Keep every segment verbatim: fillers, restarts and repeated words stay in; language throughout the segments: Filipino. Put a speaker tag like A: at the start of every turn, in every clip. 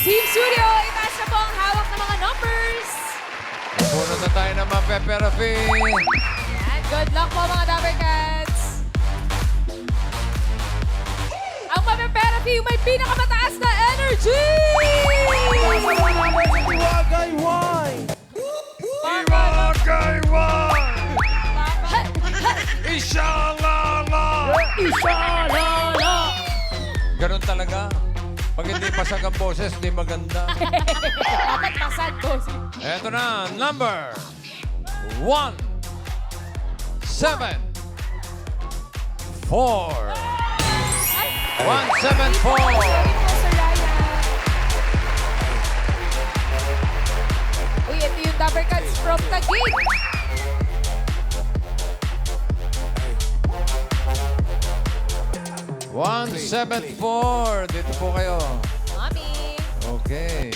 A: Team Studio, itaas na po ang hawak ng mga numbers.
B: Puno na tayo ng mga peperafi.
A: Yan, good luck po mga Dapper Cats. Ang mapeperapi yung may pinakamataas na energy!
C: Iwagay wine!
B: Iwagay wine! Ishalala!
C: Ishalala!
B: Ganun talaga. Pag hindi pasag ang boses, di maganda.
A: Dapat pasad po.
B: Eto na, number one, seven, four. One, seven, four.
A: Uy, ito yung Dapper Cats from Taguig.
B: One, seven, four. Dito po kayo.
A: Mami.
B: Okay.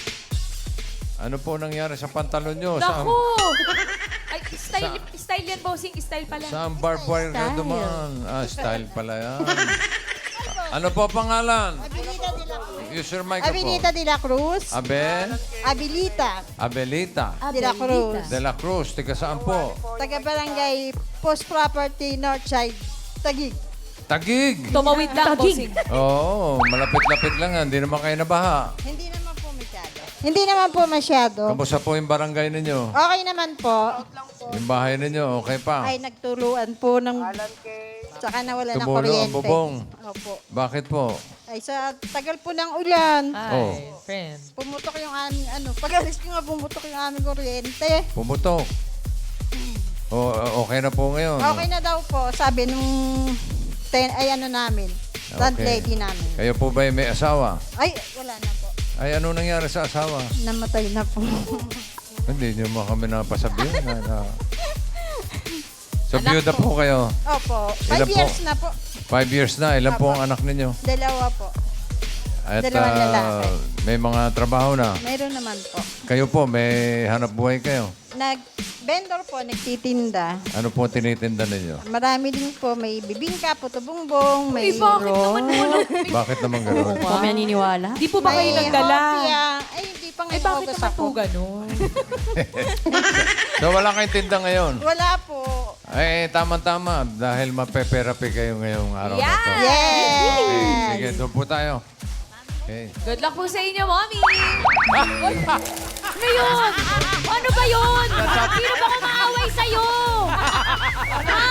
B: Ano po nangyari sa pantalon nyo? Saan,
A: Naku! Ay, style, style yan, bossing. Style pala.
B: saan barbed wire ka duman? Ah, style pala yan. Ano po pangalan?
D: Abilita de la Cruz.
B: Use your microphone.
D: Abilita de la Cruz.
B: Abel?
D: Abilita
B: Abelita.
D: de la Cruz.
B: De la Cruz. Tiga saan po?
D: Taga Barangay Post Property Northside, Taguig.
B: Tagig.
A: Tumawid lang, bossing.
B: Oo, malapit-lapit lang yan. Hindi naman kayo nabaha.
D: Hindi naman po masyado. Hindi naman po masyado.
B: Kamusta po yung barangay ninyo?
D: Okay naman po.
B: Yung bahay ninyo, okay pa?
D: Ay nagtuluan po ng... Saka nawala ng
B: Tumulo ang
D: kuryente.
B: bubong.
D: Opo.
B: Bakit po?
D: Ay sa tagal po ng ulan.
B: Oh,
A: friend.
D: Pumutok yung aming ano. Pag-alis ko nga pumutok yung aming kuryente.
B: pumutok. O, okay na po ngayon.
D: Okay na daw po. Sabi nung... Ten, ay ano namin. Landlady namin.
B: Kayo po ba may asawa?
D: Ay, wala na po.
B: Ay, ano nangyari sa asawa?
D: Namatay na po.
B: Hindi niyo mo kami napasabihin. na, na. So, byuda po kayo.
D: Opo. Five
B: Ilan po?
D: years na po.
B: Five years na. Ilan po
D: Apo.
B: ang anak ninyo?
D: Dalawa po.
B: At
D: Dalawang
B: ah,
D: lalaki.
B: may mga trabaho na.
D: Mayroon naman po.
B: Kayo po, may hanap buhay kayo.
D: Nag-vendor po, nagtitinda.
B: Ano po tinitinda ninyo?
D: Marami din po. May bibingka, puto bongbong, may
A: Uy, bakit
D: roll,
A: naman walang...
B: Bakit naman gano'n?
E: Po may naniniwala?
A: Di po ba kayo
D: may
A: nagdala?
D: hopya. Ay, hindi pa
A: Ay,
D: ngayon
A: bakit
D: August
A: naman po
D: ako.
A: ganun?
B: So, wala kayong tinda ngayon?
D: Wala po.
B: Ay, tama-tama. Dahil mapeperapi kayo ngayong araw na to.
A: Yeah!
D: Yes!
B: Okay, sige, doon po tayo. Okay.
A: Good luck po sa inyo, Mommy! Uy, ano yun? Ano ba yun? Sino ba kumaaway sa'yo? Ha?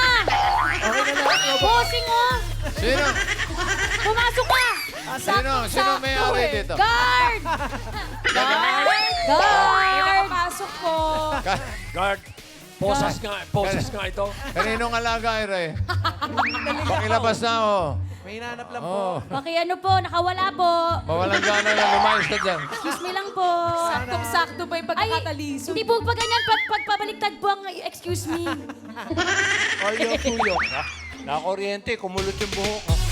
A: Bossing mo!
B: Sino?
A: Pumasok ka!
B: Sino? Sino may
A: Sakto
B: away
A: eh.
B: dito?
A: Guard! Guard! Guard! Pasok po!
C: Guard! Poses nga, poses nga ito.
B: Kaninong alaga, Ire? Pakilabas na, oh.
C: May hinanap lang
B: Oh,
E: Paki ano po, nakawala po.
B: mawalang gana na. Lumayos ka dyan.
E: Excuse me lang po.
A: Saktong-sakto ba yung
E: Ay,
A: pagkakataliso?
E: hindi po pa ganyan. Pag, pagpabaliktad po ang excuse me.
C: Or yung tuyo. Ha? Nakakuryente, kumulot yung buhok. Ha?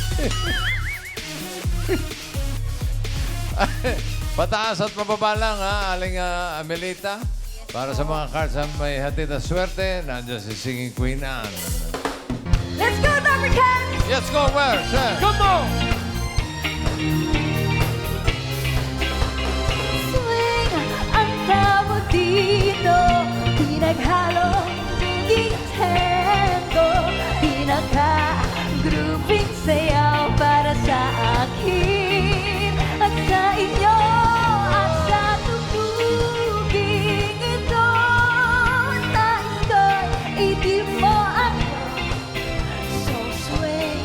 B: Pataas at mababa lang, ha, Aling ah, Amelita. Para sa mga cards na may hatid na swerte, nandiyan si Singing Queen Anne.
A: Let's go, Dapper Cats!
B: Let's go where, sir?
C: Come on!
E: Swing ang tawag dito. Pinaghalong Nintendo. Pinaka-grouping sayaw para sa akin. At sa inyo. At sa tugtuging ito. Nais ko'y itip mo ako. So swing.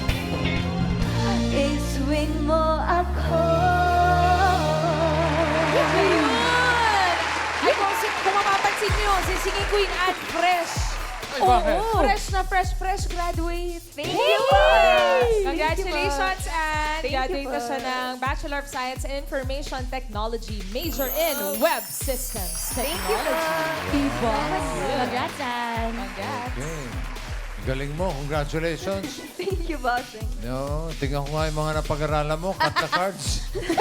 E: I-swing mo ako.
A: Ayun! Ay, kung, si- kung mapapansin nyo, si Singing Queen Anne fresh.
B: Ay, bakit?
A: Fresh na fresh, fresh graduate. Thank you! Congratulations, Anne! Graduate na siya ng Bachelor of Science in Information Technology, major in Web Systems Technology.
E: Diba? Congrats, Ann.
A: Congrats!
B: Okay. Galing mo. Congratulations.
E: Thank you, bossing.
B: No, tingnan ko nga yung mga napag-aralan mo. Cut the cards.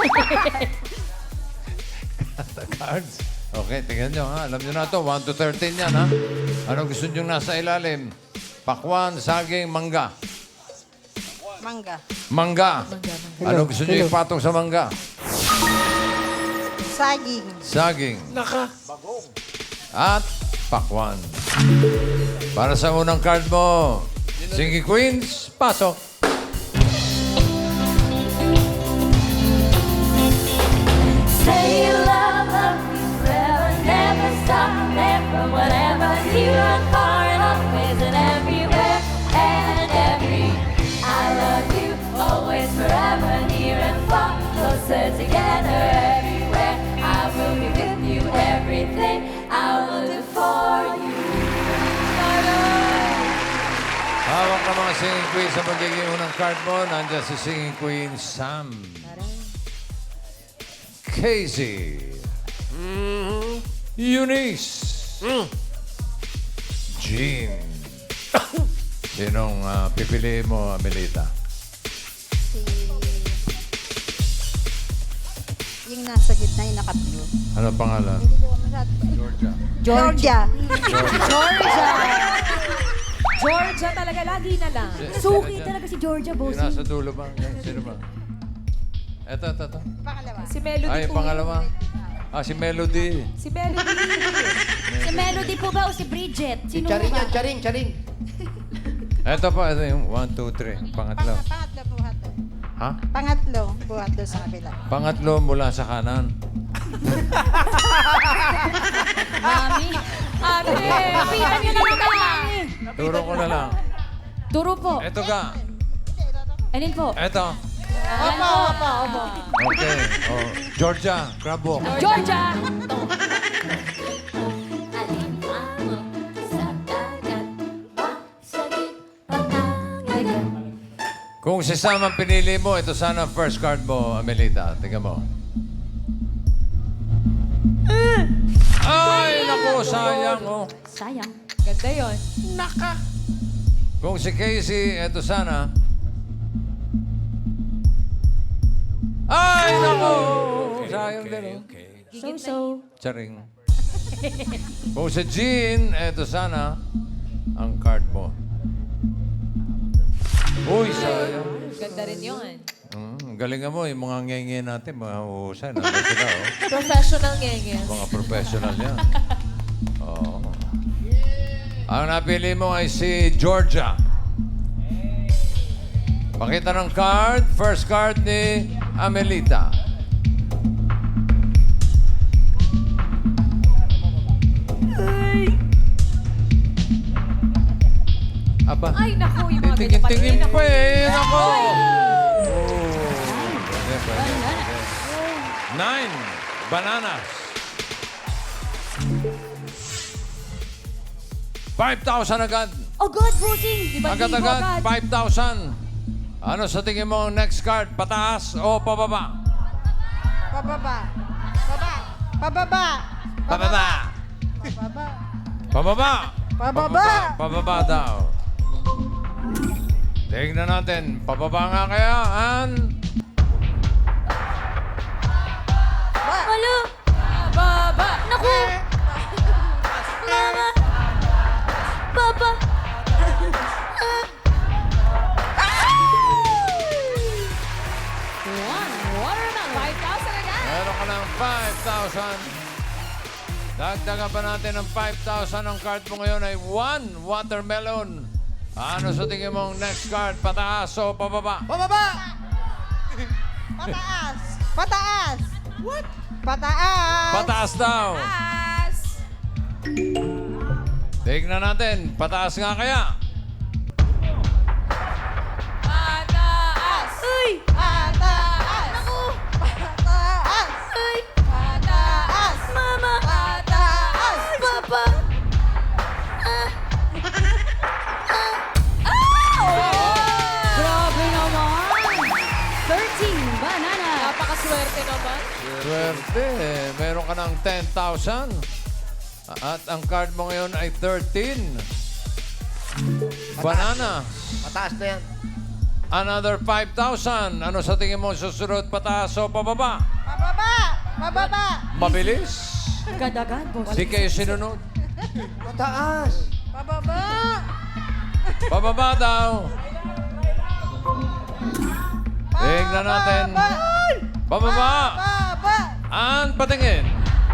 B: Cut the cards. Okay, tingnan nyo ha. Alam nyo na to. one to thirteen yan ha. Anong gusto nyo nasa ilalim? Pakwan, saging, mangga.
D: Mangga.
B: Mangga. Anong gusto nyo ipatong sa mangga?
D: Saging.
B: saging,
C: Naka.
B: at pakwan. Para sa unang card mo, Singing Queens, pasok.
E: Say you love, love me forever, never stop, never, whatever. Here and far and always and everywhere and every. I love you, always, forever, near and far, closer together, everywhere. I will be with you, everything I will do for you.
B: Hawak na mga Singing Queens sa magiging unang card mo. Nandiyan si Singing Queen Sam. Casey. Eunice. Jean. Sinong ah, pipiliin mo, Amelita?
D: Si... Yung nasa gitna, yung naka-blue.
B: Ano pangalan?
D: Hindi ko masyado.
B: Georgia.
D: Georgia.
A: Georgia! Georgia talaga, lagi na lang.
E: Suki talaga si Georgia,
B: Yung
E: bossing.
B: nasa dulo ba? Yan, sino ba? Eto, eto, eto.
D: Pangalawa.
A: Si Melody
B: Ay,
A: po.
B: pangalawa. Ah, si Melody.
A: Si Melody.
E: Si Melody po ba o si Bridget? Sino
C: Charing
E: ba?
C: yan, charing, charing.
B: Eto pa, ito yung one, two, three. Pangatlo.
D: Pang, pangatlo buhat doon.
B: Ha?
D: Pangatlo buhat doon sa kabila.
B: Pangatlo mula sa kanan.
E: Mami.
A: Ate!
E: Kapitan niyo na lang kay Mami.
B: Turo ko na lang.
E: Turo po.
B: Eto ka.
E: Alin po?
B: Eto.
D: Opo, opo, opo.
B: Okay. Oh, Georgia, crab walk.
A: Georgia!
B: Kung si Sam ang pinili mo, ito sana ang first card mo, Amelita. Tingnan mo. Ay, naku, sayang. Oh.
E: Sayang.
A: Ganda yun.
B: Kung si Casey, ito sana. Ay, naku! Sayang din, oh.
E: So-so.
B: Charing. Kung si Jean, ito sana ang card mo. Uy, sayang.
A: Ganda rin yun.
B: Mm, galingan mo, yung mga ngenge natin, mga uhusay, nandun sila, oh.
A: Professional ngenges.
B: Mga professional yan. Oo. Ang napili mo ay si Georgia. Pakita ng card. First card ni Amelita. Aba.
A: Ay, naku, yung mga ganyan
B: Titingin-tingin
A: pa
B: pa
A: rin.
B: eh. Nako. Oh. Pwede, pwede, pwede. Nine. Bananas. five thousand agad.
E: Oh God, bossing! Di ba
B: Agad-agad, five thousand. Ano sa tingin mo ang next card? Pataas o pababa?
D: Pababa. Baba. Pababa.
B: Pababa.
D: Pababa.
B: Pababa.
D: Pababa.
B: Pababa daw. Tingnan natin. Pababa nga kaya, An?
E: Alo!
A: Baba!
E: Naku! Mama! Papa!
A: One watermelon. five thousand agad.
B: Meron ka ng five thousand. Dagdagan pa natin ng five thousand. Ang card mo ngayon ay one watermelon. Ano sa tingin mo ang next card? Pataas o pababa?
C: Pababa!
D: Pataas. Pataas. What? Pataas.
B: Pataas daw.
A: Pass!
B: Tignan natin. Pataas nga kaya.
A: Pataas!
E: Uy!
D: Pataas.
E: Naku!
D: Pataas.
E: Uy!
D: Pataas.
E: Mama!
D: Pataas.
E: Papa! Grabe naman! thirteen banana!
A: Napakaswerte naman.
B: Swerte. Meron ka ng ten thousand. At ang card mo ngayon ay thirteen. Banana.
C: Mataas na yan.
B: Another five thousand. Ano sa tingin mo susunod? Pataas o pababa?
D: Pababa. Pababa.
B: Mabilis.
E: Gadagan, boss.
B: Di kayo sinunod.
C: Mataas.
D: Pababa.
B: Pababa daw. Tingnan natin.
D: Pababa.
B: Pababa.
D: Pababa.
B: An patingin.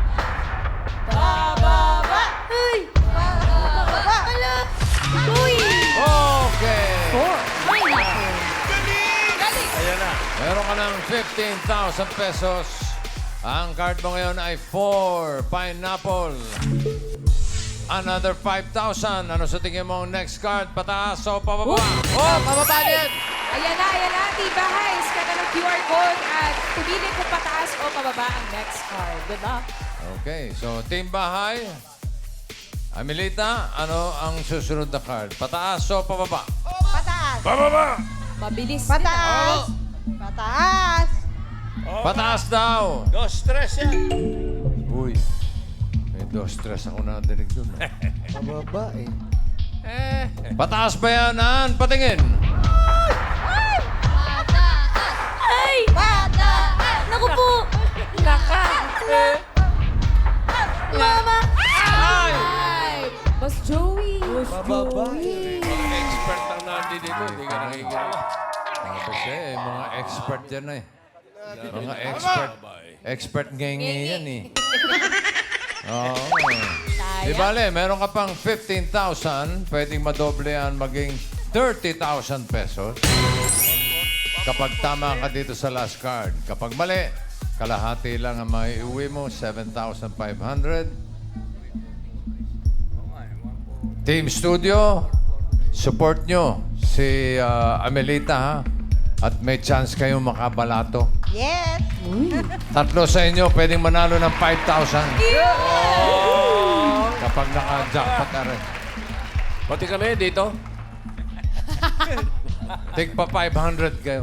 D: Bababa. Uy. Bababa. Ala. Uy.
B: Okay.
E: Ay, naku.
C: Ayan na.
B: Meron ka ng fifteen thousand pesos. Ang card mo ngayon ay four pineapple. Another five thousand. Ano sa tingin mo ang next card? Pataas o pababa?
C: Oh, pababa din.
A: Ayan na, ayan na. Tibahay. Scan na ng Q R code at pumili kung pataas o pababa ang next card. Good luck.
B: Okay, so Team Bahay. Amelita, ano ang susunod na card? Pataas o pababa?
D: Pataas.
A: Mabilis.
D: Pataas. Pataas.
B: Pataas daw.
C: Dos, tres yan.
B: Uy, may dos stress ako na dinig dun. ah.
C: Pababa eh.
B: Pataas ba yan, Ann? Patingin.
E: Ay! Pataas! Naku po! Naka! Mama!
B: Ay!
A: Ay! Boss Joey.
C: Pababa
B: Mga expert ang nandito dito. Hindi ka nakikinig. Kasi eh, mga expert yan eh. Mga expert. Expert ngengi yan eh. Oo. Di bale, meron ka pang fifteen thousand. Pwedeng madoble yan maging thirty thousand pesos. Kapag tama ka dito sa last card. Kapag mali, kalahati lang ang maiuwi mo, seven thousand five hundred. Team Studio, support nyo si ah, Amelita ha. At may chance kayong makabalato.
D: Yes.
B: Tatlo sa inyo, pwedeng manalo ng five thousand. Kapag naka-jackpot na rin.
C: Pati kami dito.
B: Take pa five hundred kayo.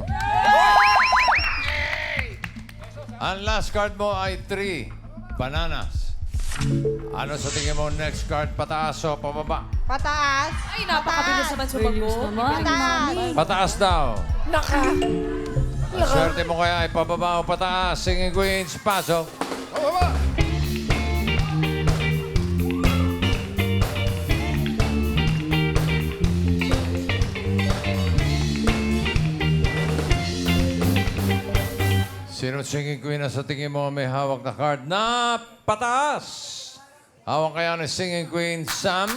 B: Ang last card mo ay three bananas. Ano sa tingin mo next card? Pataas o pababa?
D: Pataas.
A: Ay, napakabilis naman sumagot.
D: Pataas.
B: Pataas daw. Naka. Ang swerte mo kaya ay pababa o pataas. Singing Queens, pasok. Pababa. Sino singing queen na sa tingin mo may hawak na card na pataas? Hawak kaya ni singing queen Sam?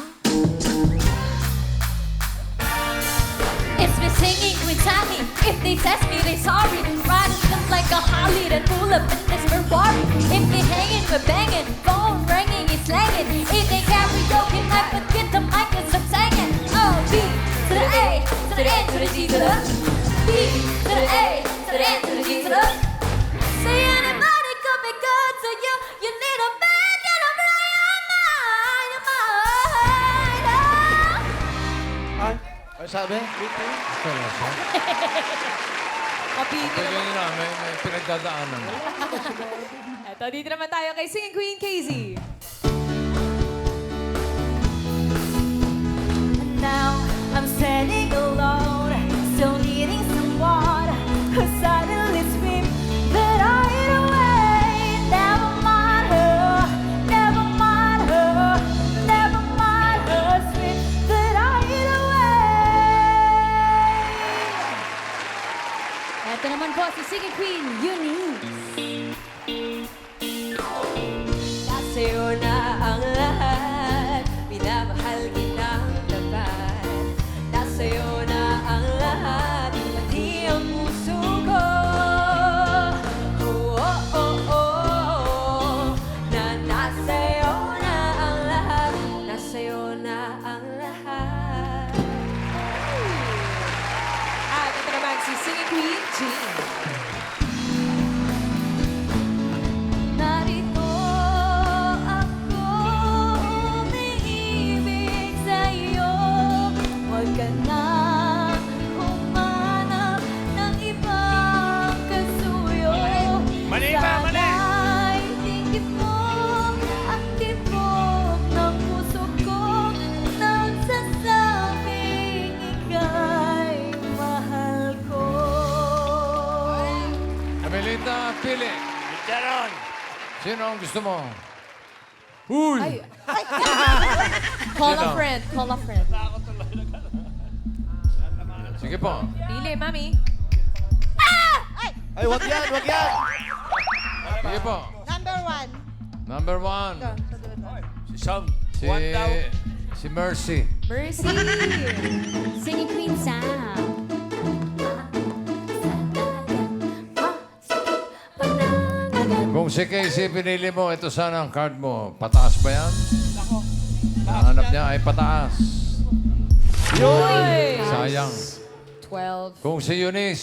E: It's been singing with Sammy. If they test me, they sorry. Riding just like a Harley that full of fitness Ferrari. If they hanging, we're banging. Phone ringing, it's slanging. If they karaoke, might forget the mic and stop singing. Oh, B to the A, to the N, to the G, to the B to the A, to the N, to the G, to the say anybody could be good to you. You need a bag and a blow your mind, your mind. Oh.
C: Ay, ano sabi?
A: Kapigil
B: Pwede
A: naman.
B: nyo na, may, may pinagdadaanan.
A: Eto, dito naman tayo kay Singing Queen K Z.
E: Now I'm standing alone, still needing someone who suddenly scream that I ain't away. Never mind her, never mind her, never mind her scream that I ain't away. Ito naman po si Singing Queen Eunice. Sa'yo na ang lahat, minamahal kitang tapat. Nasa'yo na ang lahat, pati ang puso ko. Oh, oh, oh, oh, na nasa'yo na ang lahat, nasa'yo na ang lahat.
A: At ito naman si Singing Queen Jean.
E: Narito ako, umiibig sa'yo. Huwag ka na humanap ng ibang kasuyo.
C: Mali ba? Mali!
E: Sana'y tingin mo ang tibok ng puso ko. Nagsasabing ika'y mahal ko.
B: Amelita, pili.
C: Jaron!
B: Sino ang gusto mo? Uy!
A: Ay. Call a
B: Sino?
A: friend. Call a friend.
B: Sige po.
A: Pili, mami.
C: Ay, wag yan, wag yan!
B: Sige po.
D: Number Number one.
B: Number one.
D: Doon, sa dulo.
C: Si Sam.
B: Si,
C: One daw.
B: si Mercy.
A: Mercy.
E: Singing Queen Sam.
B: Kung si Casey pinili mo, ito sana ang card mo. Pataas ba yan? Ang hanap niya ay pataas.
A: Uy!
B: Sayang.
A: twelve.
B: Kung si Eunice.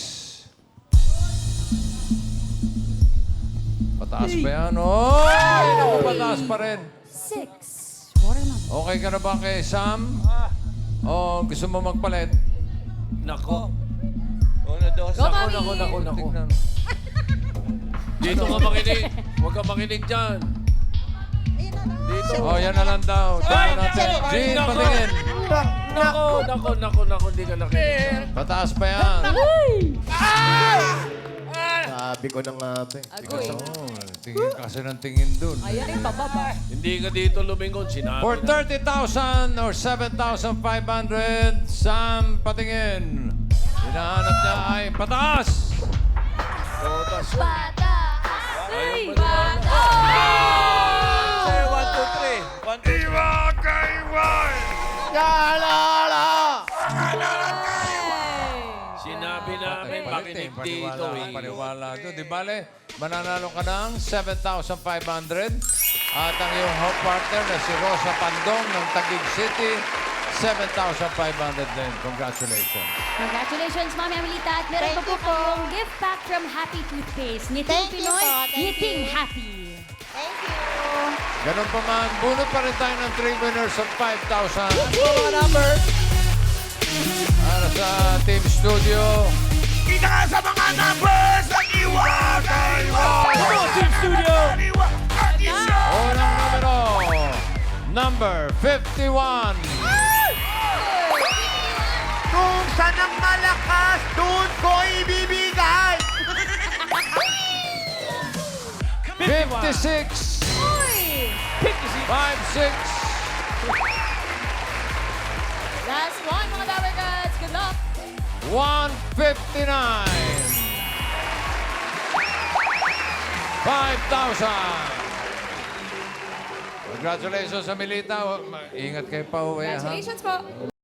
B: Pataas ba yan? Oy! Naku, pataas pa rin.
E: Six. Watermelon.
B: Okay ka na ba kay Sam? O gusto mo magpalit?
C: Nako. Una, dos.
A: Go,
C: Nako,
A: Mami!
C: nako, nako, nako.
B: Tignan.
C: Dito ka makinig. Huwag ka makinig dyan.
D: Ayun na lang.
C: Dito.
B: Oh, yan na lang daw. Tignan natin.
C: Ay,
B: Jean,
C: nako.
B: patingin.
C: Nako, nako, nako, nako. Hindi ka nakinig.
B: Pataas pa yan.
F: Sabi ko na nga ba eh.
A: Agoy.
B: Oh, tingin ka kasi ng tingin dun.
A: Ayan yung pababa.
C: Hindi ka dito lumingon. Sinabi
B: For
C: na.
B: thirty thousand or seven thousand five hundred, Sam, patingin. Hinahanap niya ay pataas.
C: Totas.
E: Pataas.
C: Ay,
E: Pataas.
C: Say, one, two, three. One, two, three. Sinabi namin, makinig dito eh.
B: Paniwala doon. Di bale, mananalo ka ng seven thousand five hundred. At ang iyong home partner na si Rosa Pandong ng Taguig City, seven thousand five hundred din. Congratulations.
E: Congratulations, Mami Amelita. At meron pa
D: Thank
E: po
D: you po.
E: kayong gift pack from Happy Toothpaste. Ngiting
D: Thank you
E: Pinoy,
D: po, thank
E: ngiting
D: you.
E: happy.
D: Thank you.
B: Ganun pa man, bunot pa rin tayo ng three winners of five thousand. Para sa Team Studio.
G: Kita ka sa mga numbers ng iwakay mo!
C: Team Studio!
B: Unang numero, number fifty-one.
G: Kung saan ang malakas, doon ko ibibigay!
B: fifty-six. five six.
A: Last one, mga Dabber Cats. Good luck.
B: one fifty-nine. five thousand. Congratulations, Amelita. Ingat kayo pa uwi, ha?
A: Congratulations po.